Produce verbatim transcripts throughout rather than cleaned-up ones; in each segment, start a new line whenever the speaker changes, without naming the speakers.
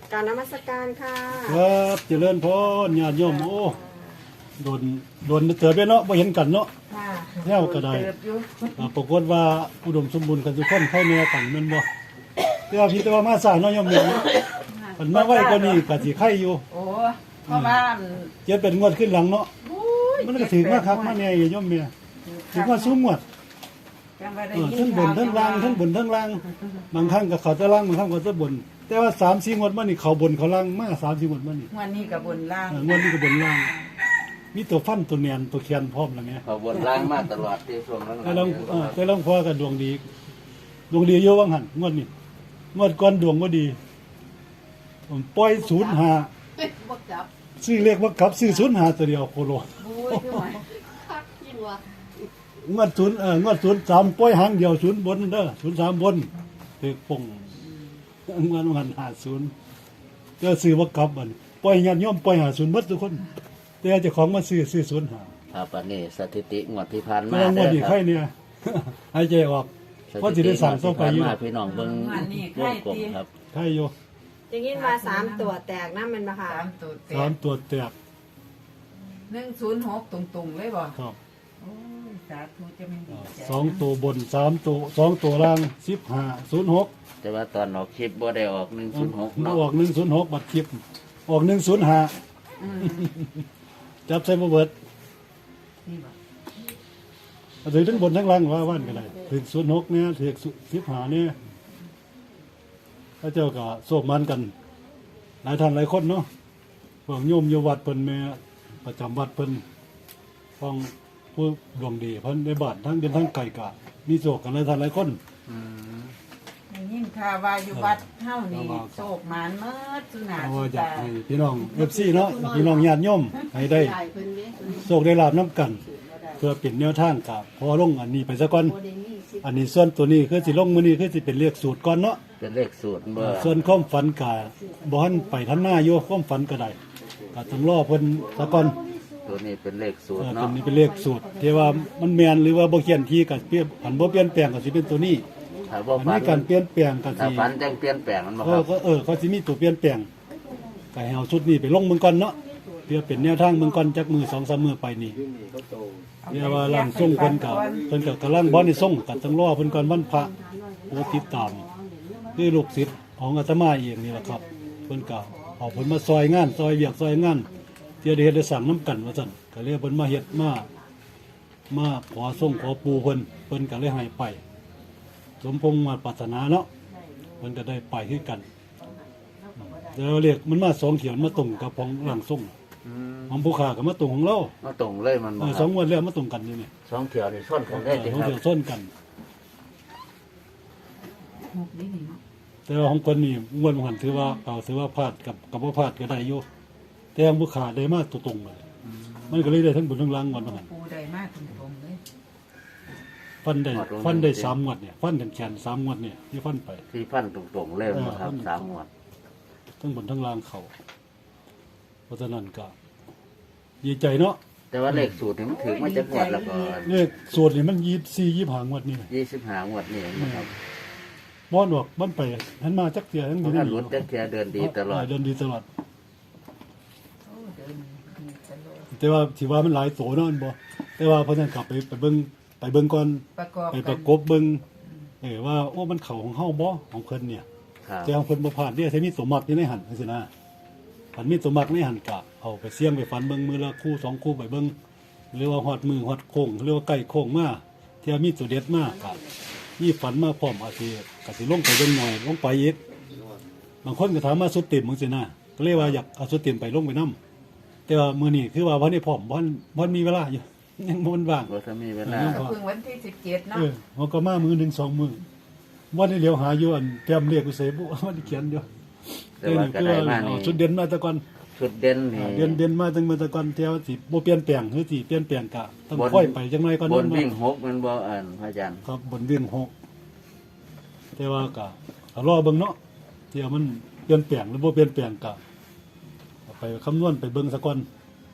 การนมัสการค่ะ
ครับเจริญพรญาติโยมโอ้โดนโดนเติบไปเนาะบ่เห็นกันเนาะแนวก็ได้ปรากฏว่าอุดมสมบูรณ์กันทุกคนเข้าแนวกันแม่นบ่แต่ว่าพี่แต่ว่ามาสร้างเนาะโยมเนี่ยมันมาไว้กว่านี้ก็สิไข่อยู่
โอ้เพราะว่า
เจ็ดเป็นงวดขึ้นหลังเนาะมันก็ถือมาคักมาแน่โยมเนี่ยถือว่าสูงงวดเออทั้งบนทั้งล่างทั้งบนทั้งล่างบางครั้งก็เขาจะล่างบางครั้งก็จะบนแต่ว่าสามสี่งวดมานี่เขาบนเขาล่างมาสามสี่งวดมานี่
งวดนี้กับบนล่าง
งวดนี้ก็บนล่างมีตัวฟันตัวเนียนตัวเคียนพร้อมแล้วเนี่ย
เขาบนล่างมาตลอดที่ช่วงนั้น
แต่ลองแต่ลองพอกันดวงดีดวงดีเยอะว่างหันงวดนี้งวดก่อนดวงก็ดีผมปล่อยศูนย์หาซื้อเลขว่ากลับซื้อศูนย์หาตัวเดียวโคโลงวดศูนย์เอองวดศูนย์สามปล่อยหางเดียวศูนย์บนเด้อศูนย์สามบนเด็กป่งงวดวันหาศูนย์ก็ซื้อว่ากลับมันปล่อยญาติโยมปล่อยหาศูนย์หมดทุกคนแต่เจ้าของมาซื้อซื้อศูนย์หา
ครับอันนี้สถิติงวดที่ผ่าน
มางวดนี้ใครเนี่ยหายใจออกเพราะจะได้สั่งต่อไปอยู่
พี่น้องเบิ่งวงกลมครับ
ใครอยู่
อย่างนี้มาสามตัวแตกนะมันมาค่ะ
สามตัวแตก
สามตัวแตก
หนึ่งศูนย์หกตรงๆเลยบ่
ครับ
โอ้ยสาธุจะไม่ดีใจ
สองตัวบนสามตัวสองตัวล่างสิบห้าศูนย์หก
แต่ว่าตอนออกคลิปบ่ได้ออกหนึ่งศูนย์หกเนาะ
ออกหนึ่งศูนย์หกบัตรคลิปออกหนึ่งศูนย์ห้าจับใส่มาเบิดถือทั้งบนทั้งล่างว่าว่านกันเลยถือศูนย์หกเนี่ยถือสิบห้าเนี่ยพระเจ้าก็โศกมันกันหลายท่านหลายคนเนาะพวกโยมโยวัดเพิ่นแม่ประจำวัดเพิ่นฟังผู้ดวงดีเพิ่นในบ้านทั้งเป็นทั้งไก่กะมีโศกกันหลายท่านหลายคน
ยิ่งข่าวว่าอยู่วัดเท่านี้โศกมานเมื่อสุนา
เอาอยากให้พี่น้องเอฟซีเนาะพี่น้องญาติโยมให้ได้โศกได้ลาบน้ำกันเพื่อเป็นแนวทางกับพอลงอันนี้ไปซะก่อนอันนี้ส่วนตัวนี้คือสิลงมื้อนี้คือสิเป็นเลขสูตรก่อนเนาะ
เป็นเลขสูตรเบอร์
ส่วนความฝันกะบ่ทันไปทันหน้าอยู่ความฝันก็ได้ก็ต้องรอเพิ่นซะก่อน
ตัวนี้เป็นเลขสูตร
เนาะตัว
เนาะ
นี้เป็นเลขสูตรที่ว่ามันแม่นหรือว่าบ่เขียนที่ก็เปลี่ยนผันบ่เปลี่ยนแปลงก็สิเป็นตัวนี้อันนี้การเปลี่ยนแปลงก็สิ
ฝันจังเปลี่ยนแปลงมันบ่ครับ
ก็เออเขาสิมีตัวเปลี่ยนแปลงก็ให้เอาชุดนี้ไปลงเมืองก่อนเนาะเพื่อเป็นแนวทางเมืองก่อนจักมือ สองสาม มื้อไปนี่เรียกว่าร่างทรงเพิ่นก็เพิ่นก็กำลังบ่ได้ทรงก็ต้องรอเพิ่นก่อนวันพระโอติดตามคือลูกศิษย์ของอาตมาเองนี่แหละครับเพิ่นก็เอาเพิ่นมาซอยงานซอยเวียกซอยงานเที่ยได้เฮ็ดได้สั่งน้ำกันว่าซั่นก็เลยเพิ่นมาเฮ็ดมามาขอส่งขอปูเพิ่นเพิ่นก็เลยให้ไปสมพงษ์มาปรารถนาเนาะมันก็ได้ไปคือกันแล้วเรียกมันมาสองเขียนมาตรงกับของหลังส่งของผู้ขากับมาตรงของเรา
มาตรงเลยมันบ่
สองวันแล้วมาตรงกันนี่นี่
สองเขียวนี่ส้นกันได้จริงครับ
สองเขียวส้นกันแต่ว่าของคนนี่งวดมันถือว่าเอาถือว่าพลาดกับกับว่าพลาดก็ได้อยู่แต่ของผู้ขาได้มาตรงๆเลยมันก็เลยได้ทั้งบนทั้งล่างวันนั้น
ปูได้มากตรงๆเลย
ฟันได้ฟันได้สามงวดเนี่ยฟันแขนสามงวดเนี่ยที่ฟันไป
ที่ฟันตรงๆเลยนะครับสามงวด
ทั้งบนทั้งล่างเขาเพราะฉะนั้นก็ดีใจเนาะ
แต่ว่าเลขสูตรนี่มันถึงมาจากงวดแล้วก็
เลขสูตรนี่มันยี่สี่ยี่ห้างวดนี่
ยี่สิบห้างวดนี่นะครับ
บ้อนออกบ้านไปหันมาจักเสียทั้งหมด
นี่รถจักเสียเดินดีตลอด
เดินดีตลอดแต่ว่าที่ว่ามันหลายโสเนาะบ่แต่ว่าเพราะฉะนั้นกลับไปไปเบิ่งไปเบิ่งก่อนไปประกบเบิ่งเออว่าโอ้มันเข่าของเฮาบ่ของเพิ่นเนี่ยแต่ของเพิ่นบ่ผ่านเนี่ยใช้มีสมบัติอยู่ในหันจังซี่นะฝันมีสมบัติในหันกะเอาไปเสี่ยงไปฝันเบิ่งมือละคู่สองคู่ไปเบิ่งหรือว่าฮอดมือฮอดโค้งหรือว่าใกล้โค้งมาเที่ยมีตัวเด็ดมากกะมีฝันมาพร้อมอาสิก็สิลงไปเบิ่งหน่อยลงไปอีกบางคนก็ถามมาสุดเต็มจังซี่นะก็เลยว่าอยากเอาสุดเต็มไปลงไปนำแต่ว่ามื้อนี้คือว่าบ่ได้พร้อมบ่บ่มีเวลาอยู่ยังบ่ว่าง
บ่ทันมีเวลา
เพิ่งวันที่สิบเจ็ดเนาะ
เออเฮาก็มามื้อหนึ่ง สองมื้อบ่ได้เลี้ยวหาอยู่อันเตรียมเรียกกูเสบุบ่ได้เขียนอยู่
แต่ว่าก็ได้มานี่
ชุดเด่นมาแต่ก่อน
ชุดเด่นนี่
เด่นเด่นมาตั้งแต่ก่อนเที่ยวสิบ่เปลี่ยนแปลงคือสิเปลี่ยนแปลงกะต้องค่อยไปจังได๋ก่อน
บนวิ่งหกมันบ่อ่านพระอาจารย์
ครับบนวิ่งหกแต่ว่าก็รอเบิ่งเนาะเที่ยวมันเปลี่ยนแปลงหรือบ่เปลี่ยนแปลงกะไปคำนวณไปเบิ่งซะก่อน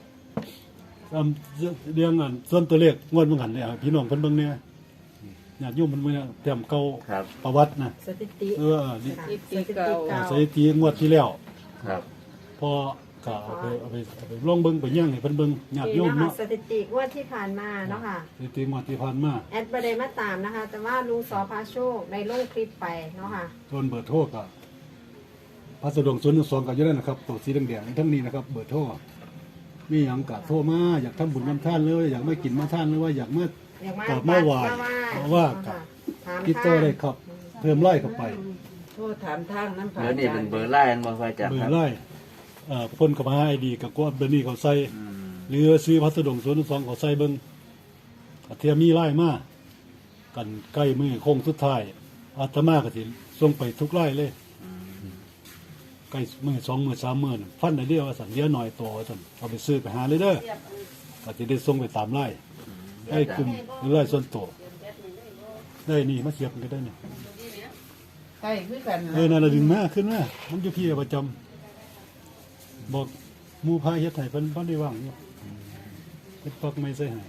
เรื่องอันส่วนตัวเลขงวดเบิ่งหันเนี่ยพี่น้องเพิ่นเบิ่งเนี่ยญาติโยมมันมื้อเตรียมเก่าประวัตินะ
สถิติ
เออ
สถิติเก่า
สถิติงวดที่แล้ว
ครับ
พอก็เอาไปเอาไปเอาไปลองเบิ่งไปย่างให้เพิ่นเบิ่งญาติโย
นี่
ม
นะคะ
เนาะ
สถิติงวดที่ผ่านมาเนาะค่ะ
สิติงวดที่ผ่านมา
แอดประเดมาตามนะคะ แต่ว่าลุงสอพาโชคในลงคลิปไปเนาะค่ะ
ส่วนเบอร์โทรก็พัสดุศูนย์หนึ่งสองก็อยู่นั่นนะครับตัวสีแดงๆทั้งนี้นะครับเบอร์โทรมีหยังก็โทรมาอยากทำบุญทำทานหรือว่าอยากมากินมาทานหรือว่าอยากมา
อย่างมาก
ลับมาไหว้
มา
ว่า
เนาะ
กับ
ค่ะถาม
ติดต่อได้ครับ เพิ่มไล่เข้าไป
โทษถามทางน้ำ
เบอร์นี้เป็นเบอร์ไล่บ่พระอาจารย์
เบอ
ครั
ร์
บ
ไล่เอ่อเพิ่นก็มาให้ไอดีกับกวดเบอร์นี้เขาใส่
อืม
หรือซื้อพัสดุศูนย์หนึ่งสองเขาใส่เบิ่งก็เทียมมีไล่มากันใกล้มือโค้งสุดท้ายอาตมาก็สิส่งไปทุกไล่เลย
อืม
ใกล้มือสองมือสามมือน่ะฟันได้เดียวว่าสั่นเดียวหน่อยตัวว่าสั่นเอาไปซื้อไปหาเลยเด้อก็จะได้ส่งไปตามไล่ให้กลุ่มหรือไล่ส่วนตัวได้นี่มาเสียบกันก็ได้นี่
ใกล้คือกัน
เออนั่นละดึงมาขึ้นมามันอยู่พี่ประจำบอกหมู่พายเฮ็ดให้เพิ่นบ่ได้ว่างอยู่เพิ่นปักไม่ใส่ให้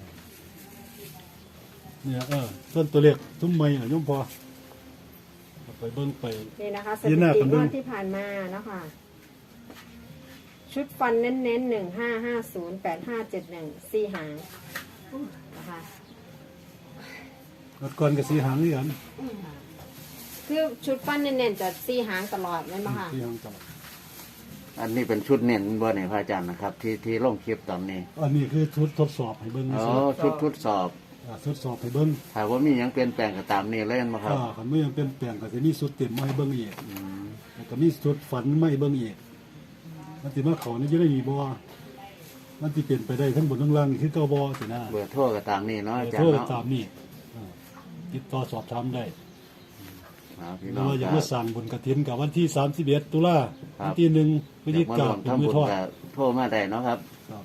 เนี่ยเออส่วนตัวเล็กทุ่มไม้น่ะโยมพอเอาไปเบิ่งไป
นี่นะคะส
ยื
ถิ
นหน้า
ติ
กัน
ง
เบิ่
ว
ง
ดที่ผ่านมาเนาะค่ะ ชุดฟันเน้นๆหนึ่งห้าห้าศูนย์แปดห้าเจ็ดหนึ่งสี่หางนะคะ
รถก่อนก็สีหางนี่กัน
คือชุดฟันเน้นๆจะสี่หางตลอดไหมบ้างค่ะ
สีหางตลอด
อันนี้เป็นชุดเน้นบ่เนี่ยพระอาจารย์นะครับ ที่ที่ลงคลิปตอนนี้
อันนี้คือชุดทดสอบให้เบิ่ง
อ๋อ
ซื่อ
ชุดทดสอบ
อ่าทดสอบให้เบิ่ง
ถ้าว่ามีหยังเปลี่ยนแปลงก็ตามนี้เล่นมาครับ
อ่าคันบ่ยังเปลี่ยนแปลงก็สิมีชุดเต็มมาให้เบิ่งอีก
อืม
แล้วก็มีชุดฝันมาให้เบิ่งอีกมันสิมาเข้านี่จะได้มีบ่มันสิเปลี่ยนไปได้ทั้งบนทั้งล่างนี่คือเก่าบ่สินะ
เบอร์โทรก็ตามนี้เนาะอาจาร
โทร
ย์เนาะ
ตามนี่อ่าติดต่อสอบถามได้
เอาพี่
หรื
น้
อ
อง
ว่าอยาก
ค
มา
รับ
สั่งบุญกฐินกับวันที่สามสิบเอ็ดตุลา
ครับ
วันที่หนึ่งพฤศจิ
อยาก
กา
มาร่วมทำ
เป็นมือ
บุญ
ทอด
ก็โทรมาได้เนาะครับ
ครับ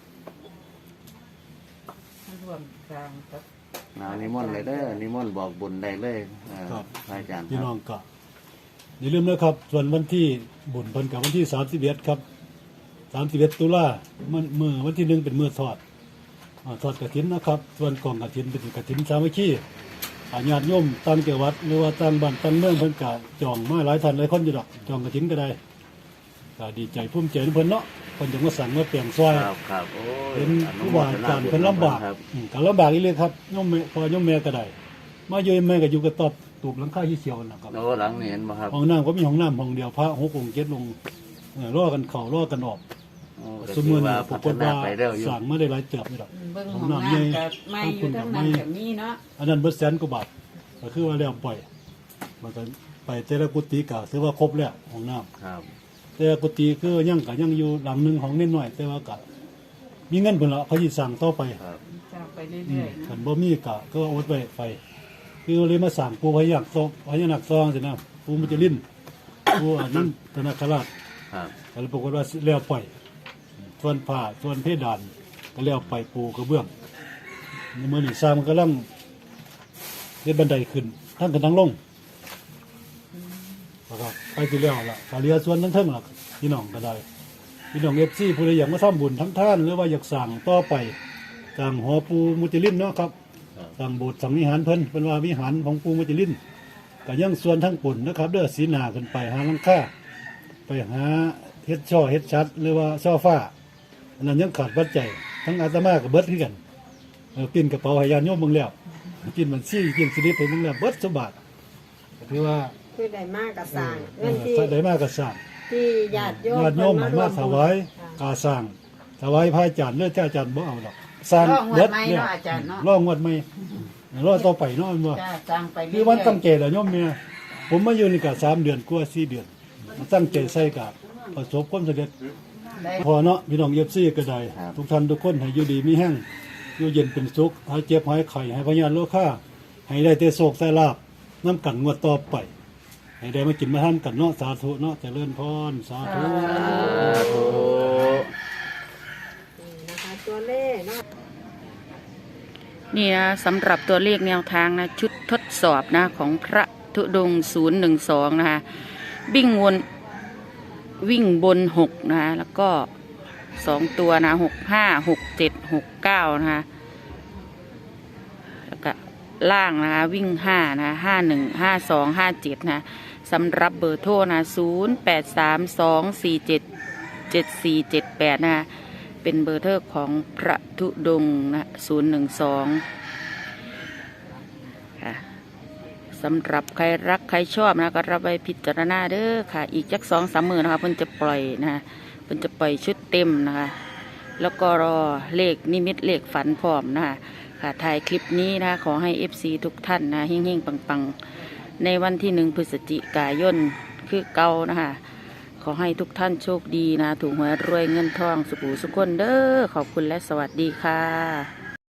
รวมกลางกับ
เอานิมนต์เลยเด้อนิมนต์บอกบุญได้เลยเอ่อพระอาจารย์ค
พี่
รับ
น้องก็อย่าลืมนะครับ ส่วนวันที่บุญเพิ่นกับวันที่สามสิบเอ็ดครับสามสิบเอ็ดตุลามันมือวันที่หนึ่งเป็นมือทอดอ่าทอดกฐินนะครับ ส่วนกองกฐินเป็นกฐินสามัคคีอาญาติโยมตั้งเกี่ยววัดหรือว่าตั้งบ้านตั้งเมืองเพิ่นกะจองมาหลายท่านหลายคนอยู่ดอกจองกฐินก็ได้ก็ดีใจภูมิใจในเพิ่นเนาะเพิ่นจะมาสั่งมาแปลงซอย
ครับครับโอ้ย
เป็น
อนุ
ผู้
โม
ว่า
ทนา
การ
บุญ
เพิ่นลำบาก
ครับ
อืมก็ลำบากอีเลยครับโยมแม่พอโยมแม่ก็ได้มาอยู่แม่ก็อยู่กับตอบตูบหลังคาที่เขียวนะครับ
โอ้หลังนี่เห็นบ่ครับ
ห้องน้ำก็มีห้องน้ำห้องเดียวพระหกองค์เจ็ดองค์เออรอกันเข้ารอกันออก
โอ้ก็
สม
ถื
มุ
อ
ติ
ว่า
ว่าป
พั
ราก
ฒ
ฏ
นา
ว่า
ไปเร็วอยู่
สั่งมาได้หลายเติบนี่ดอก
เบิ่ง
ข
ข
อ
อง ง
น้ำ
น้ำ
ใหญ่
กับไม่อยู่ทั้งนั้นกับมีเนาะ
อันนั้นเบิดแสนกว่าบาทก็คือว่าแล้วปล่อยมันก็ไปแต่ละกุฏิก็ถือว่าครบแล้วห้องน้ำ
ครับ
แต่กุฏิคือยังก็ยังอยู่หลังหนึงของนิดหน่อย แต่ว่าก็มีเงินเพิ่นละเขาสิสั่งต่อไป
ครับ
จะไป
อื
เรื่
ม
อยๆ
คั
นะ
นบ่มีก็ก็อดไว้ไปคือเลยมาสั่งปูพยักซองพญานาคซองสินะปูมุจลินปูอันนั้นธนาคราช
ครับ
ก็เลยปรากฏว่าแล้วปล่อยส่วนผ้าส่วนเพดานก็แล้วไปปูกระเบื้องในมือนี่สร้างมันกำลังเฮ็ดบันไดขึ้นทั้งกันทั้งลงนะครับไปที่แล้วล่ะกาเรียส่วนทั้งเทิงล่ะพี่น้องก็ได้พี่น้องเอฟซีผู้ใดอยากมาทำบุญทั้งท่านหรือว่าอยากสั่งต่อไปสั่งหอปูมุจลินเนาะครับ
ครับ
สั่งโบสถ์สั่งวิหารเพิ่นเป็นว่าวิหารของปูมุจลินก็ยังส่วนทั้งปุ่นนะครับเด้อสีหนาขึ้นไปหาหลังคาไปหาเฮ็ดช่อเฮ็ดชัดหรือว่าช่อฟ้าอันนั้นยังขาดปัจจัยทั้งอาตมากับเบิดคือกันเออปิ้นกระเป๋าให้ญาติโยมเบิ่งแล้วปิ้นมันซี่ปิ้นสลิปให้เบิ่งแล้วเบิดสมบัติก็ถือว่า
คือได้มากกับ
เอ
สั่ง
อ
เงินที่
เออได้มากก็สร้าง
ที่ญาติโยม
ญาติโยมให้มาถวายกาสร้างถวายพระอาจารย์เลือดอาจารย์บ่เอาดอกสร้าง
รองวั
เบิ
ด
ด
ไม้
เนี่ย
เนาะอาจารย์เนาะ
รองวัดใหม่รอต่อไปเนาะมันบ่
จ้าสร้างไป
คือวันตั้งใจแล้วโยมเมียผมมาอยู่นี่ก็สามเดือนกว่าสี่เดือนมาตั้งใจใส่กับประสบความสำเร็จ
ได้
พอเนาะพี่น้องเอฟซีก็ได้
ครับ
ทุกท่านทุกคนให้อยู่ดีมีแห้งอยู่เย็นเป็นสุขหายเจ็บหายไข้ให้พญานโลค่าให้ได้แต่โศกแต่ลาบน้ำกันงวดต่อไป ให้ได้มากินมาทานกันเนาะสาธุเนาะเจริญพรสาธุ
นี่นะคะตัวเลขเนาะ
นี่นะสำหรับตัวเลขแนวทางนะชุดทดสอบนะของพระธุดงค์ศูนย์หนึ่งสองนะคะวิ่งวนวิ่งบนหกนะคะแล้วก็สองตัวนะหกห้าหกเจ็ดหกเก้านะคะแล้วก็ล่างนะคะวิ่งห้านะห้าหนึ่งห้าสองห้าเจ็ดนะสำหรับเบอร์โทรนะศูนย์แปดสามสองสี่เจ็ดเจ็ดสี่เจ็ดแปดนะเป็นเบอร์โทรของพระธุดงค์นะศูนย์หนึ่งสองค่ะสำหรับใครรักใครชอบนะก็รับไปพิจารณาเด้อค่ะอีกจักสองสามหมื่นนะคะเพิ่นจะปล่อยนะคะเพิ่นจะปล่อยชุดเต็มนะคะแล้วก็รอเลขนิมิตเลขฝันพร้อมนะคะค่ะถ่ายคลิปนี้นะคะขอให้ เอฟ ซี ทุกท่านนะเฮงๆปังๆในวันที่หนึ่งพฤศจิกายนคือเก่านะคะขอให้ทุกท่านโชคดีนะถูกหวยรวยเงินทองสุขหูสุขคนเด้อขอบคุณและสวัสดีค่ะ